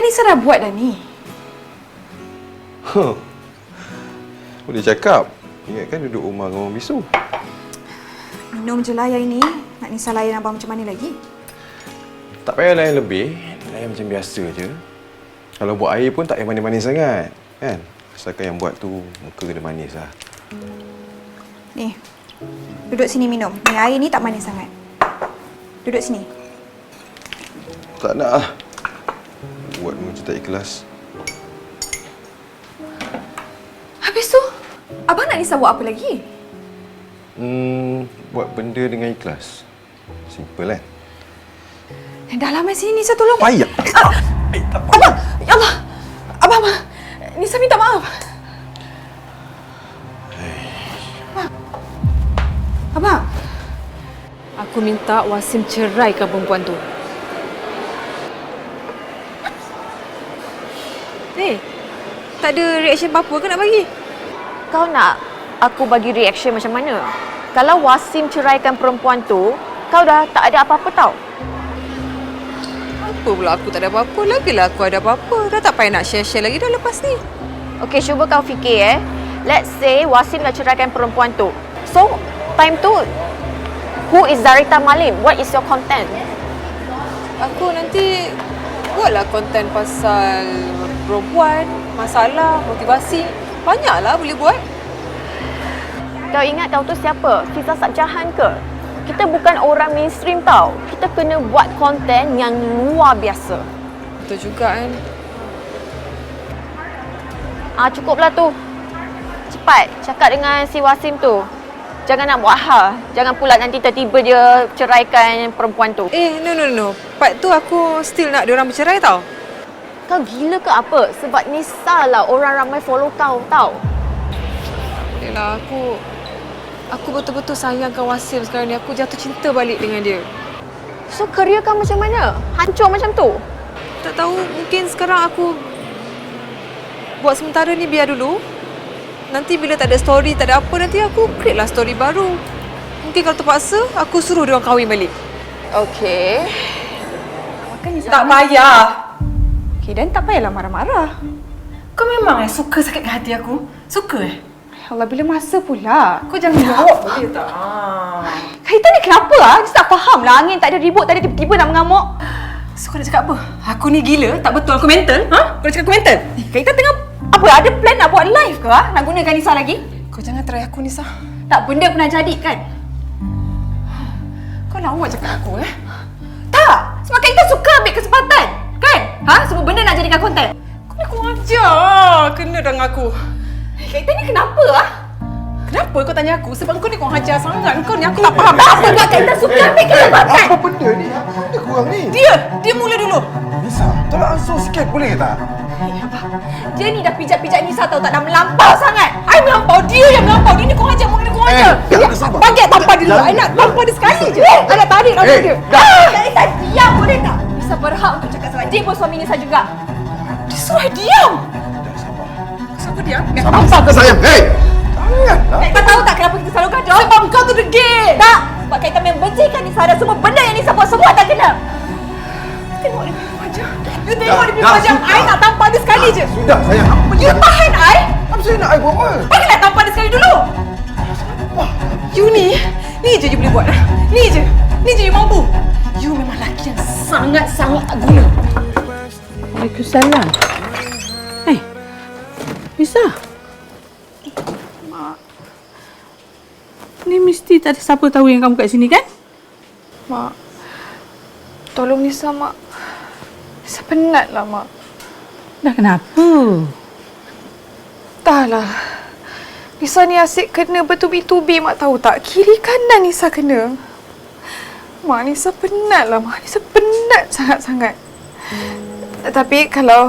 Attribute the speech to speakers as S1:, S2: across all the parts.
S1: Nisa dah buat dah ni.
S2: Boleh cakap. Ingatkan duduk rumah dengan orang bisu.
S1: Minum je lah yang ini. Nak Nisa layan abang macam mana lagi?
S2: Tak payah layan lebih. Layan macam biasa je. Kalau buat air pun tak payah manis-manis sangat. Kan? Asalkan yang buat tu muka kena manis lah.
S1: Ni. Duduk sini minum. Ni air ni tak manis sangat. Duduk sini.
S2: Tak nak lah. Buat macam tak ikhlas.
S1: Habis tu, abang nak Nisa buat apa lagi?
S2: Buat benda dengan ikhlas. Simple kan?
S1: Dah lama sini Nisa tolong.
S2: Payah.
S1: Abang! Ya Allah! Abang! Nisa minta maaf. Abang!
S3: Aku minta Wasim ceraikan perempuan tu. Tak ada reaction apa-apa ke nak bagi?
S4: Kau nak aku bagi reaction macam mana? Kalau Wasim ceraikan perempuan tu, kau dah tak ada apa-apa tau.
S3: Apa pula aku tak ada apa-apa? Lagilah aku ada apa-apa. Dah tak payah nak share-share lagi dah lepas ni.
S4: Okey, cuba kau fikir Let's say Wasim dah ceraikan perempuan tu. So, time tu, who is Zarita Malim? What is your content?
S3: Aku nanti buatlah konten pasal perempuan, masalah, motivasi. Banyaklah boleh buat.
S4: Kau ingat kau tu siapa? Fiza Sabjahan ke? Kita bukan orang mainstream tau. Kita kena buat konten yang luar biasa.
S3: Betul juga kan.
S4: Cukuplah tu. Cepat cakap dengan si Wasim tu. Jangan nak buat hal. Jangan pula nanti tiba-tiba dia ceraikan perempuan tu.
S3: No. Part tu aku still nak diorang bercerai tau.
S4: Kau gila ke apa? Sebab Nisa lah orang ramai follow kau tau.
S3: Yelah, aku betul-betul sayangkan Wasim sekarang ni. Aku jatuh cinta balik dengan dia.
S4: So, kerja kau macam mana? Hancur macam tu?
S3: Tak tahu, mungkin sekarang aku buat sementara ni biar dulu. Nanti bila tak ada story, tak ada apa, nanti aku create lah story baru. Mungkin kalau terpaksa, aku suruh dia orang kahwin balik.
S4: Okey.
S1: Tak payah. Okey, dan tak payahlah marah-marah.
S5: Kau memang suka sakit hati aku? Suka
S1: Allah, bila masa pula?
S5: Kau jangan jawab boleh tak?
S1: Kaitan ni kenapa lah? Dia tak faham lah. Angin tak ada ribut, tak ada tiba-tiba nak mengamuk.
S5: So kau nak cakap apa? Aku ni gila? Tak betul? Aku mental? Kau nak cakap aku mental?
S1: Kaitan tengah apa? Ada plan nak buat live ke? Nak gunakan Nisa lagi?
S5: Kau jangan try aku, Nisa.
S1: Tak, benda pernah jadi kan?
S5: Kau lawa cakap aku
S1: Tak! Sebab Kaitan suka ambil kesempatan. Kan? Semua benda nak jadikan konten.
S5: Kau ni kurang ajar. Kena dengan aku.
S1: Kaitan ni kenapa
S5: Kenapa kau tanya aku? Sebab kau ni kurang ajar sangat. Kau ni aku tak faham.
S1: Apa buat Kaitan suka ambil kesempatan?
S2: Apa benda ni? Apa benda korang ni?
S5: Dia mula dulu.
S2: Nisa, tolong ansur sikit boleh tak?
S1: Dia ni dah pijak-pijak Nisa tau, tak dah melampau sangat. I melampau, dia yang melampau. Dia ni kurang ajar, kurang ajar.
S2: sabar.
S1: Baget tampar dia dulu. I nak tampar dia sekali je. I nak tarik rambut dia. Kaitan diam boleh tak? Nisa berhak untuk cakap sebab dia pun suami Nisa juga.
S5: Dia suruh diam. Siapa diam?
S2: Sabar ke sayang? Hei! Janganlah.
S1: Kaitan tahu tak kenapa kita selalu gaduh?
S5: Sebab kau tu degil.
S1: Tak! Sebab Kaitan membencikan Nisa dan semua benda yang Nisa buat semua tak kena.
S5: Tengok dia punya wajah. You tengok dia punya wajah.
S2: sudah.
S5: I nak tampar dia sekali je.
S2: Sudah sayang. Apa
S1: You tahan I?
S2: Apa saya nak buat apa?
S1: Bagilah tampar dia sekali dulu.
S5: You ni je you boleh buat. Ni je you mampu. You memang lelaki yang sangat-sangat tak guna.
S6: Waalaikumsalam. Nisa.
S1: Mak.
S6: Ni mesti tak ada siapa tahu yang kamu kat sini kan?
S1: Mak. Tolong Nisa, Mak. Nisa penat lah, Mak.
S6: Dah kenapa?
S1: Dah lah. Nisa ni asyik kena bertubi-tubi, Mak tahu tak? Kiri kanan Nisa kena. Mak, Nisa penat lah, Mak. Nisa penat sangat-sangat. Tapi kalau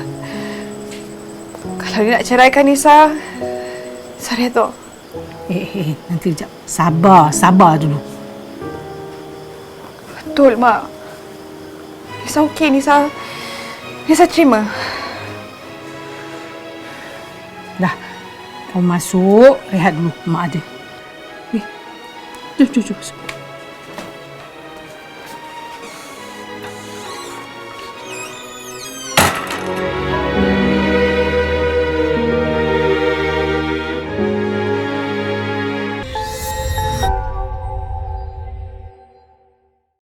S1: dia nak ceraikan Nisa, saya redha.
S6: Nanti sekejap. Sabar dulu.
S1: Betul, Mak. Nisa okey, Nisa terima.
S6: Dah. Kau masuk, rehat dulu. Mak ada. Jom.